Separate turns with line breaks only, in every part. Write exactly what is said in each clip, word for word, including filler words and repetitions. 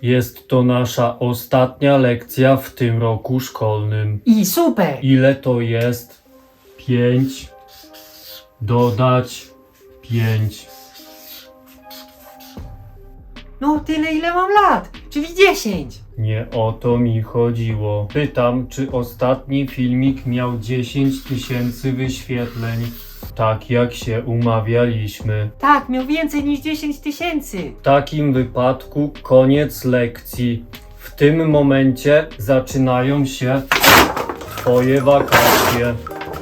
Jest to nasza ostatnia lekcja w tym roku szkolnym.
I super!
Ile to jest? Pięć. Dodać pięć.
No tyle ile mam lat, czyli dziesięć.
Nie o to mi chodziło. Pytam, czy ostatni filmik miał dziesięć tysięcy wyświetleń, tak jak się umawialiśmy.
Tak, miał więcej niż dziesięć tysięcy.
W takim wypadku koniec lekcji. W tym momencie zaczynają się twoje wakacje.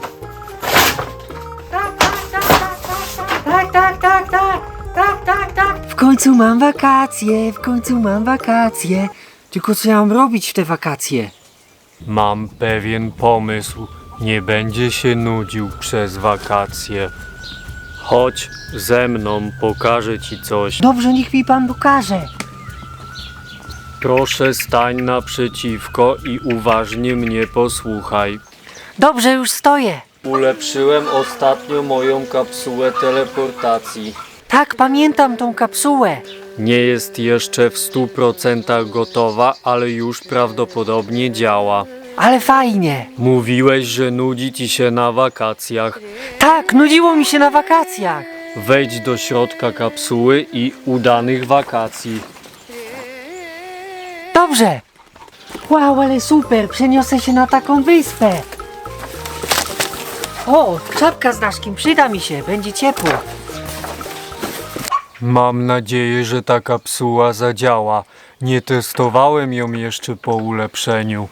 Tak, tak, tak, tak, tak, tak, tak, tak, tak, tak, tak. W końcu mam wakacje, w końcu mam wakacje. Tylko co ja mam robić w te wakacje?
Mam pewien pomysł. Nie będzie się nudził przez wakacje. Chodź ze mną, pokażę ci coś.
Dobrze, niech mi pan pokaże.
Proszę stań naprzeciwko i uważnie mnie posłuchaj.
Dobrze, już stoję.
Ulepszyłem ostatnio moją kapsułę teleportacji.
Tak, pamiętam tą kapsułę.
Nie jest jeszcze w stu procentach gotowa, ale już prawdopodobnie działa.
Ale fajnie.
Mówiłeś, że nudzi ci się na wakacjach.
Tak, nudziło mi się na wakacjach.
Wejdź do środka kapsuły i udanych wakacji.
Dobrze. Wow, ale super, przeniosę się na taką wyspę. O, czapka z daszkiem, przyda mi się, będzie ciepło.
Mam nadzieję, że ta kapsuła zadziała. Nie testowałem ją jeszcze po ulepszeniu.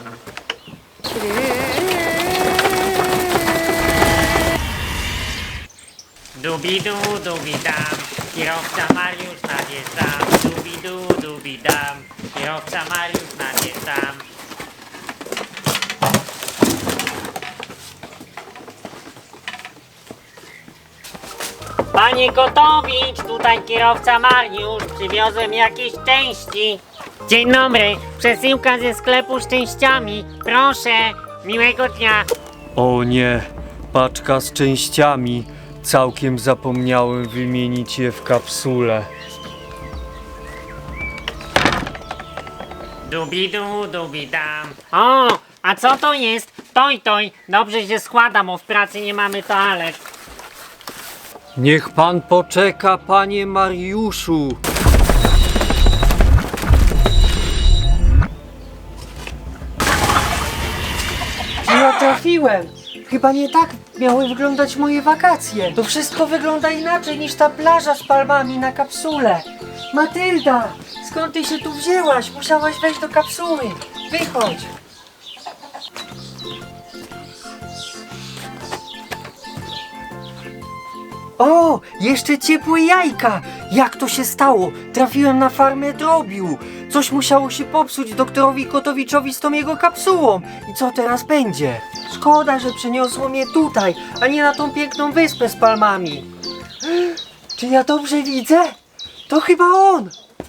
Dubidu, dubidam, kierowca Mariusz nadjeżdżam. Dubidu, dubidam, kierowca Mariusz nadjeżdżam. Panie Kotowicz, tutaj kierowca Mariusz, przywiozłem jakieś części. Dzień dobry, przesyłka ze sklepu z częściami, proszę, miłego dnia.
O nie, paczka z częściami. Całkiem zapomniałem wymienić je w kapsule.
Dubidu, dubidam. O, a co to jest? Toj, toj, dobrze się składa, bo w pracy nie mamy toalet.
Niech pan poczeka, panie Mariuszu.
Ja trafiłem. Chyba nie tak miały wyglądać moje wakacje. To wszystko wygląda inaczej niż ta plaża z palmami na kapsule. Matylda, skąd ty się tu wzięłaś? Musiałaś wejść do kapsuły. Wychodź. O, jeszcze ciepłe jajka! Jak to się stało? Trafiłem na farmę drobiu. Coś musiało się popsuć doktorowi Kotowiczowi z tą jego kapsułą. I co teraz będzie? Szkoda, że przeniosło mnie tutaj, a nie na tą piękną wyspę z palmami. Czy ja dobrze widzę? To chyba on!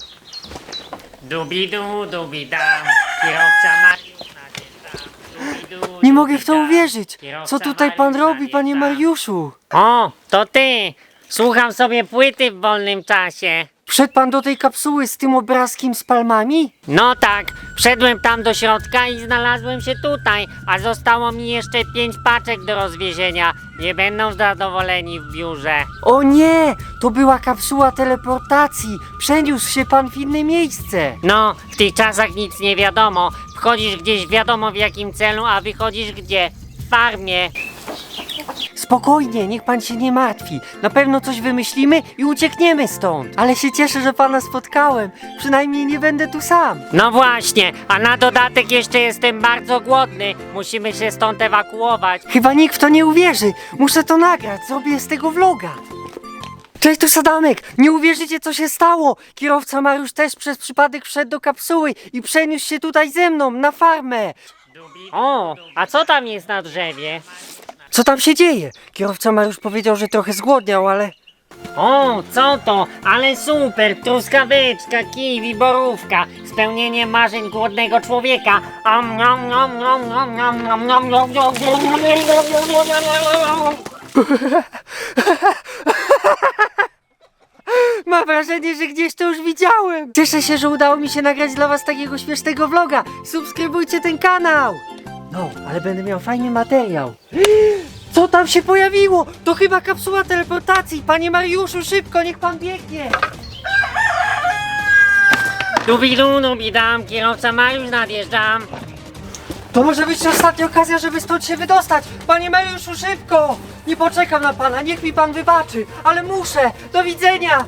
Dubidu, dubidam, kierowca Mariusz nadjeżdżam. Dubidu,
Nie mogę w to
dubidam,
uwierzyć.
kierowca
Co tutaj pan
Mariusz
robi, panie
nadjeżdżam.
Mariuszu?
O, to ty! Słucham sobie płyty w wolnym czasie.
Wszedł pan do tej kapsuły z tym obrazkiem z palmami?
No tak, wszedłem tam do środka i znalazłem się tutaj, a zostało mi jeszcze pięć paczek do rozwiezienia. Nie będą zadowoleni w biurze.
O nie! To była kapsuła teleportacji. Przeniósł się pan w inne miejsce.
No, w tych czasach nic nie wiadomo. Wchodzisz gdzieś wiadomo w jakim celu, a wychodzisz gdzie? W farmie.
Spokojnie, niech pan się nie martwi. Na pewno coś wymyślimy i uciekniemy stąd. Ale się cieszę, że pana spotkałem. Przynajmniej nie będę tu sam.
No właśnie, a na dodatek jeszcze jestem bardzo głodny. Musimy się stąd ewakuować.
Chyba nikt w to nie uwierzy. Muszę to nagrać, zrobię z tego vloga. Cześć, tu Sadamek. Nie uwierzycie, co się stało. Kierowca Mariusz też przez przypadek wszedł do kapsuły i przeniósł się tutaj ze mną, na farmę.
O, a co tam jest na drzewie?
Co tam się dzieje? Kierowca Mariusz powiedział, że trochę zgłodniał, ale...
O, co to? Ale super! Truskaweczka, kiwi, borówka. Spełnienie marzeń głodnego człowieka. Am, nom, nom, nom, nom, nom, nom, nom, nom, nom, nom.
Mam wrażenie, że gdzieś to już widziałem. Cieszę się, że udało mi się nagrać dla was takiego śmiesznego vloga. Subskrybujcie ten kanał. No, ale będę miał fajny materiał. Co tam się pojawiło? To chyba kapsuła teleportacji. Panie Mariuszu, szybko, niech pan biegnie.
Dubidu, dubidam, kierowca Mariusz nadjeżdżam.
To może być ostatnia okazja, żeby stąd się wydostać. Panie Mariuszu, szybko. Nie poczekam na pana, niech mi pan wybaczy. Ale muszę. Do widzenia.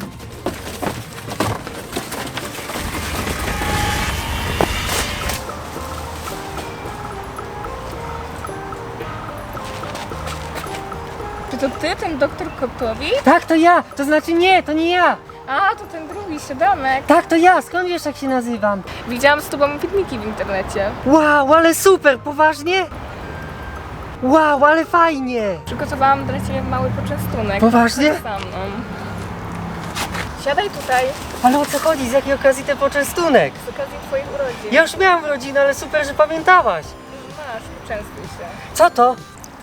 Czy to ty, ten doktor Kotowi?
Tak, to ja. To znaczy nie, to nie ja.
A, to ten drugi, Siadamek.
Tak, to ja. Skąd wiesz, jak się nazywam?
Widziałam z tobą filmiki w internecie.
Wow, ale super, poważnie? Wow, ale fajnie.
Przygotowałam dla ciebie mały poczęstunek.
Poważnie?
Chodź za mną. Siadaj tutaj,
Ale o co chodzi? Z jakiej okazji ten poczęstunek?
z okazji twoich urodzin.
Ja już miałam rodzinę, ale super, że pamiętałaś.
Masz, poczęstuj się.
Co to?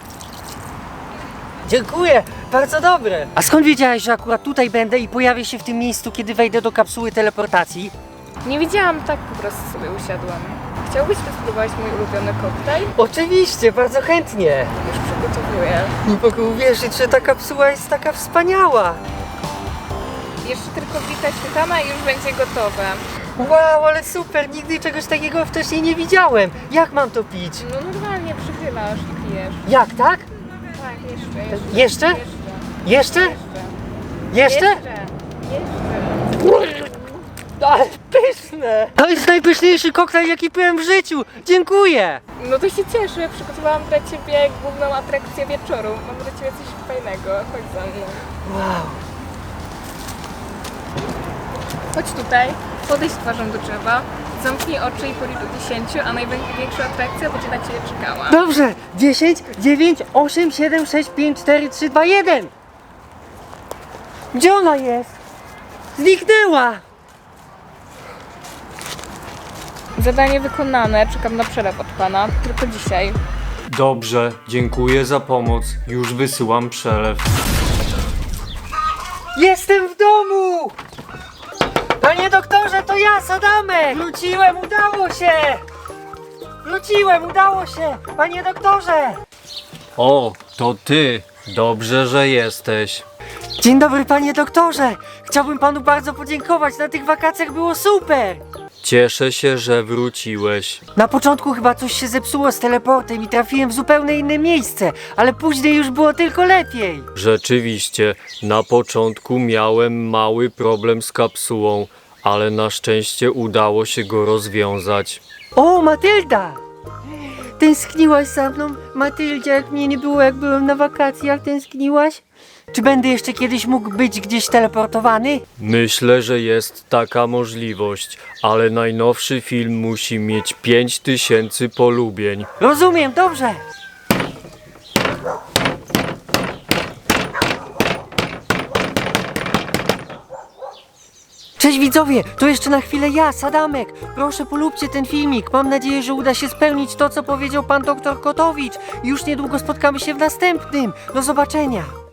Dziękuję, bardzo dobre. A skąd wiedziałeś, że akurat tutaj będę i pojawię się w tym miejscu, kiedy wejdę do kapsuły teleportacji?
Nie widziałam, tak po prostu sobie usiadłam. Chciałbyś spróbować mój ulubiony koktajl?
Oczywiście, bardzo chętnie.
Już przygotowuję.
Nie mogę uwierzyć, że ta kapsuła jest taka wspaniała.
Jeszcze tylko wita świetlana i już będzie gotowe.
Wow, ale super, nigdy czegoś takiego wcześniej nie widziałem. Jak mam to pić?
No normalnie przychylasz i pijesz.
Jak, tak?
Tak, jeszcze, jeszcze.
Jeszcze?
Jeszcze?
Jeszcze? Jeszcze?
Jeszcze. Jeszcze.
Ale pyszne! To jest najpyszniejszy koktajl, jaki piłem w życiu. Dziękuję.
No to się cieszę, przygotowałam dla ciebie główną atrakcję wieczoru. Mam dla ciebie coś fajnego, chodź za mną.
Wow.
Chodź tutaj, podejdź twarzą do drzewa, zamknij oczy i policz do dziesięciu, a największa atrakcja będzie na ciebie czekała.
Dobrze. dziesięć, dziewięć, osiem, siedem, sześć, pięć, cztery, trzy, dwa, jeden. Gdzie ona jest? Zniknęła.
Zadanie wykonane, czekam na przelew od pana, tylko dzisiaj.
Dobrze, dziękuję za pomoc. Już wysyłam przelew.
Jestem w domu! Panie doktorze, to ja, Sadamek! Wróciłem, udało się! Wróciłem, udało się! Panie doktorze!
O, to ty. Dobrze, że jesteś.
Dzień dobry, panie doktorze! Chciałbym panu bardzo podziękować, na tych wakacjach było super!
Cieszę się, że wróciłeś.
Na początku chyba coś się zepsuło z teleportem i trafiłem w zupełnie inne miejsce, ale później już było tylko lepiej.
Rzeczywiście, na początku miałem mały problem z kapsułą, ale na szczęście udało się go rozwiązać.
O, Matylda! Tęskniłaś za mną? Matyldzie, jak mnie nie było, jak byłem na wakacjach, tęskniłaś? Czy będę jeszcze kiedyś mógł być gdzieś teleportowany?
Myślę, że jest taka możliwość, ale najnowszy film musi mieć pięć tysięcy polubień.
Rozumiem, dobrze! Cześć widzowie, to jeszcze na chwilę ja, Sadamek. Proszę polubcie ten filmik. Mam nadzieję, że uda się spełnić to, co powiedział pan doktor Kotowicz. Już niedługo spotkamy się w następnym. Do zobaczenia.